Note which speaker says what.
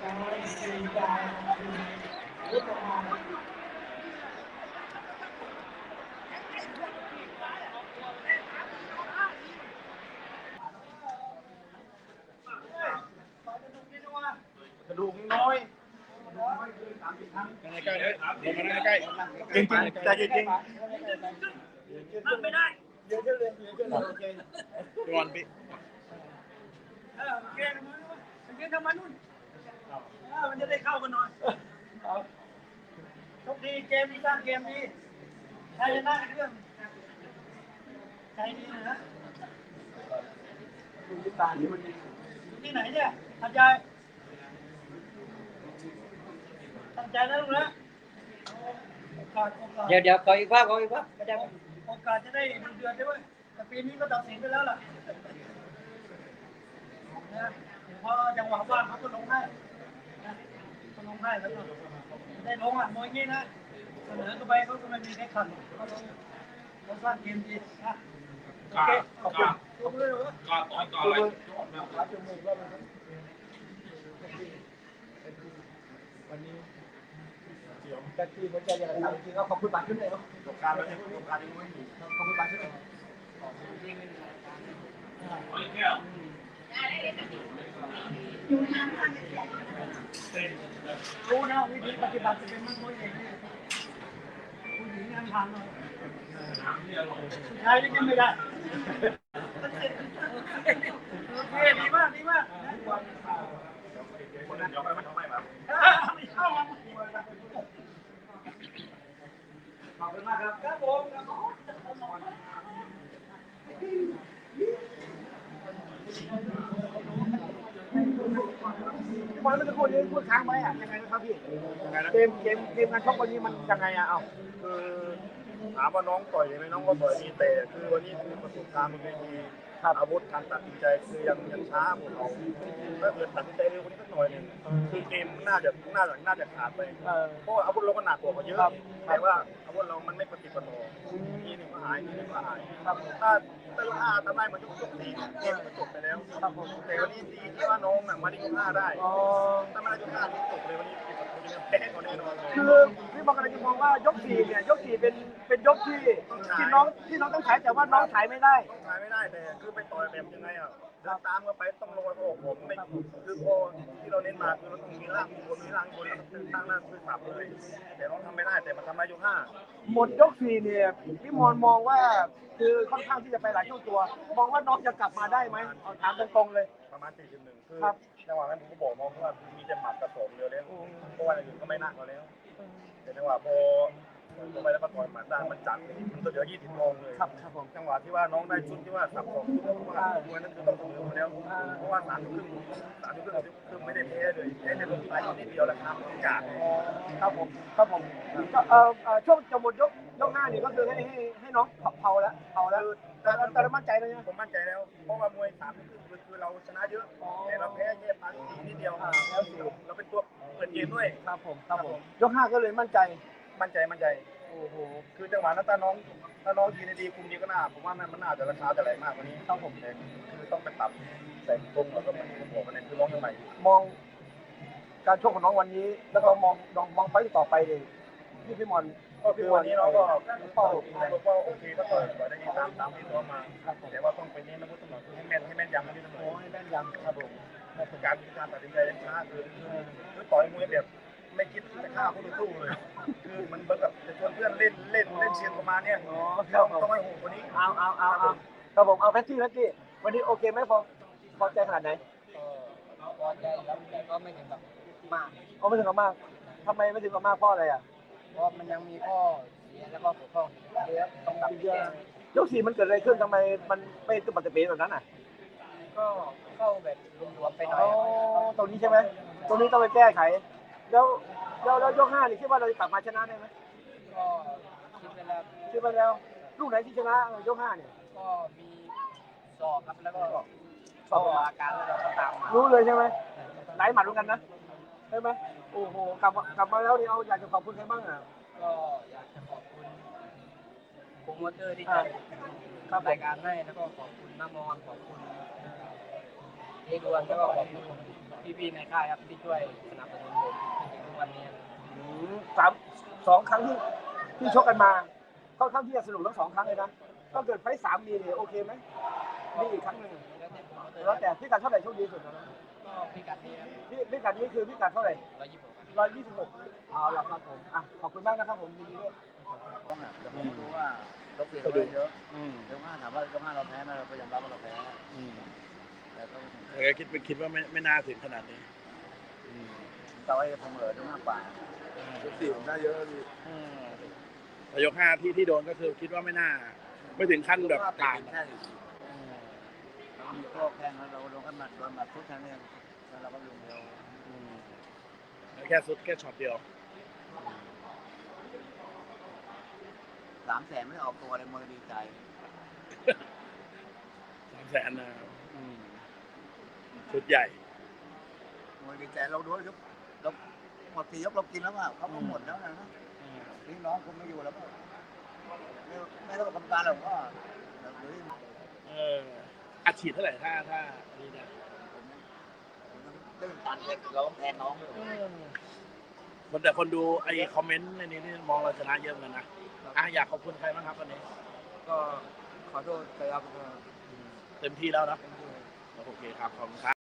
Speaker 1: กระดูกน้อยใกล้เลยลงมาใกล้จริงๆใจจริงไม่ได้เยอะเลยโอเคจวนพี่โอเคทำมานู่นมันจะได้เข้ากันหน่อยโชคดีเกมนี้สร้างเกมดีใครชนะเรื่องใจดีนะดูที่ตานี่มันที่ไหนเนี่ยทำใจตั้งใจนะลูกนะ
Speaker 2: เดี๋ยวขออีกภาพก็ได้
Speaker 1: โอกาสจะได้ดูเดือนด้วยแต่ปีนี้ก็ตัดสินไปแล้วล่ะนะพอจังหวะว่างเขาก็ลงให้นะเขาลงให้แล้วก็ได้ลงอ่ะมวยงี้นะเสนอเข้าไปเขาก็ไม่มีใครขัดเขาสร้างเกมดีนะโอเคขอบคุณขอบคุณเลยต่อเลยวันนี้แต่ที่มันจะอย่างไรจริงๆก็ขอบคุณบาทขึ้นเลยเนาะประสบการณ์แล้วเนี่ยประสบการณ์ยังไม่มีขอบคุณบาทขึ้นเลยรู้นะวิธีปฏิบัติจะเป็นมันตัวเองผู้หญิงยังทำเลยผู้ชายยังไม่ได้โอเคดีมากดีมากคนนั้นยอมไปมันทำไมครับไม่เข้ามาขอบคุณมากครับครับผมพี่บอลเมื่อสักครู่นี้พูดค้างไว้อะยังไงนะครับพี่เกมการชกวันนี้มันยังไงอะเอา
Speaker 3: คือถามว่าน้องต่อยไหมน้องก็ต่อยดีแต่คือวันนี้คือประสบการณ์มันไม่มีอาวุธการตัดสินใจคือยังช้าพวกเราถ้าเกิดตัดสินใจเร็วกว่านี้สักหน่อยนึงคือเกมน่าจะขาดไปเพราะอาวุธเราก็หนักกว่าเขาเยอะแต่ว่าอาวุธเรามันไม่ปฏิปต่อทีหนึ่งก็หายทีหนึ่งก็หายถ้าลูกห้าทำได้มันยกสี่เกมก็จบไปแล้วแต่วันนี้ดีที่ว่าน้องมาได้ยกห้าได้ถ้าไม่ได้ยกห้าจบเลยวันนี้แพ้เขาแน่นอน
Speaker 1: คือพี่บอกอะไรจะมองว่ายกสี่เนี่ยยกสี่เป็นยกที่น้องต้องใช้แต่ว่าน้องถ่ายไม่ได้
Speaker 3: แต่คือไปต่อยแบบยังไงอ่ะเดินตามกันไปต้องลงไปโอ้ผมไม่คือพอที่เราเน้นมาคือเราต้องมีร่างบนแล้วตั้งหน้าคือสับเลยแต่น้องทำไม่ได้แต่มันทำได้ยกห้า
Speaker 1: หมดยกสี่เนี่ยพี่มองว่าคือค่อนข้างที่จะไปหลายช่วงตัวมองว่าน้องจะกลับมาได้ไหมเอาถามตรงๆเลย
Speaker 3: ประมาณ41คือจังหวะนั้นผมก็บอกน้องว่ามีจะหมัดกระสมเดียวแล้วเพราะว่าอย่างอื่นก็ไม่น่าเขาแล้วแต่จังหวะพอไปแล้วมาต่อยหมัดได้มันจัดมันตัวเดียว20 โมงเลยจังหวะที่ว่าน้องได้ชุดที่ว่าสับสองชุดว่ามวยนั้นคือต้องเสมอมาแล้วเพราะว่า3 ทุ่มครึ่งคือไม่ได้แพ้เลยแพ้ในลมปลายนิดเดียวแล้วครับจาก
Speaker 1: ครับผมก็ช่วงจะหมดยกห้านี่ก็คือให้น้องเผาแล้วแต่เรามั่นใจแล้วนะ
Speaker 3: ผมมั่นใจแล้วเพราะว่ามวย3 ทุ่มครึ่งคือเราชนะเยอะแต่เราแพ้แค่ปลายนิดเดียวแล้วเราเป็นตัวเปิดเกมด้วย
Speaker 1: ครับผมยกห้าก็เลยมั่นใจ
Speaker 3: โอ้โหคือจังหวะนั้นถ้าน้องยืนดีคุมดีก็น่าผมว่ามันน่าจะราคาจะแรงมากกว่านี้
Speaker 1: ครับผม
Speaker 3: คือต้องไปปรับใส่ตรงแล้วก็มันบอกมันคือน้องยังใหม่
Speaker 1: มองการชกของน้องวันนี้แล้วก็มองไปต่อไปเลยพี่มอน
Speaker 3: ก็คือวันนี้น้องก็เป้าโอเคก็ต่อยได้ดีตามที่ตัวมาแต่ว่าต้องไปเน้นนะพุทธหน่อยให้แม่นยำให้พี่ตำรวจ
Speaker 1: ให้แม่นยำครับผม
Speaker 3: การตัดสินใจยังช้าคือต่อยมวยแบบไม่คิดจะฆ่าคู่ต่อสู้เลยคือมันแบบจะชวนเพื่อนเล่นเชียร์ประมาณเนี้ยต้องให้โหดกว่านี้
Speaker 1: เอาครับผมเอาแพทตี้วันนี้โอเคไหมพอใจขนาดไหน
Speaker 2: พอใจแล้วแต่ก็ไม่ถึงกับมาก
Speaker 1: ไม่ถึงกับมากทำไมไม่ถึงกับมากเพราะอะไรอ่ะ
Speaker 2: เพราะมันยังมีข้อเสียแล้วก็บกพร่องเยอะต้องปรับแก้
Speaker 1: ยกสี่มันเกิดอะไรขึ้นทำไมมันไม่ตุบตับเป๋แบบนั้นอ่ะ
Speaker 2: ก็เข้าแบบรวมๆไปหน่อย
Speaker 1: ตรงนี้ใช่ไหมตรงนี้ต้องไปแก้ไขแล้วยกห้านี่คิดว่าเราจะกลับมาชนะได้ไหม
Speaker 2: ก็
Speaker 1: คิดไปแล้วลูกไหนที่ชนะยกห้าเนี่ย
Speaker 2: ก็มีศอกครับแล้วก็ศอกอาการแล้วก็ตามมา
Speaker 1: รู้เลยใช่ไหมไหลหมัดรู้กันนะใช่ไหมโอ้โหกลับมาแล้วนี่เอาอยากจะขอบคุณใครบ้างอ่ะ
Speaker 2: ก็อยากจะขอบคุณโปรโมเตอร์ที่จัดรายการให้แล้วก็ขอบคุณน้ามอนขอบคุณทีเอกด้วยแล้วก็ขอบคุณพี่ๆในค่ายครับที่ช่วยสนับสนุนผมจนถึงทุกวันนี้
Speaker 4: 2 ครั้งที่ชกกันมาค่อนข้างที่จะสนุกทั้ง2 ครั้งเลยนะถ้าเกิดไฟต์3มีเนี่ยโอเคไหมมีอีกครั้งหนึ่ง แล้วแต่พิกัดเท่าไหร่โชคดีสุดนะ
Speaker 2: ก็พิกัดนี้
Speaker 4: พิกัดนี้คือพิกัดเท่าไหร่
Speaker 2: 126
Speaker 4: เอาละครับผมขอบคุณมากนะครับผมยินดีด้วย
Speaker 2: จะไม่รู้ว่าเราเปลี่ยนไปเยอะเดี๋ยวถามว่าเจ้าเราแพ้ไหมเราก็ยอมรับว่าเราแพ้แต่ก็
Speaker 3: แต่คิดว่าไม่น่าถึงขนาดนี้
Speaker 2: ต่อให้เสมอจะมากกว่า
Speaker 3: ยก 4ผมได้เยอะดีแต่ยก 5ที่โดนก็คือคิดว่าไม่น่าไม่ถึงขั้นแบบผ่าน
Speaker 2: แค่เรามีโค้แข้งแล้วเราลงกันหมัดโดนหมัดทุกครั้งเนี่ยแล้วเราก็ลงเร็ว
Speaker 3: แค่สุดแค่ช็อตเดียว
Speaker 2: 300,000ไม่ได้ออกตัวเลยมวยดีใจ
Speaker 3: 300,000นะชุดใหญ่
Speaker 2: มวยดีใจเราด้วยครับเราหมด4 ยกเรากินแล้วอ่ะเขาก็หมดแล้วนะพี่น้องคุณไม่อยู่แล้วไม่ต้องกรรมการหรอกก็
Speaker 3: อัดฉีดเท่าไหร่ถ้านี่เนี่ย
Speaker 2: ตื้นตันเลยเราต้องแทนน้องเลย
Speaker 3: แต่คนดูไอ้คอมเมนต์ในนี้นี่มองเราชนะเยอะเหมือนกันนะอยากขอบคุณใครบ้างครับวันนี้
Speaker 2: ก็ขอโทษไปครับ
Speaker 3: เต็มที่แล้วนะโอเคครับขอบคุณครับ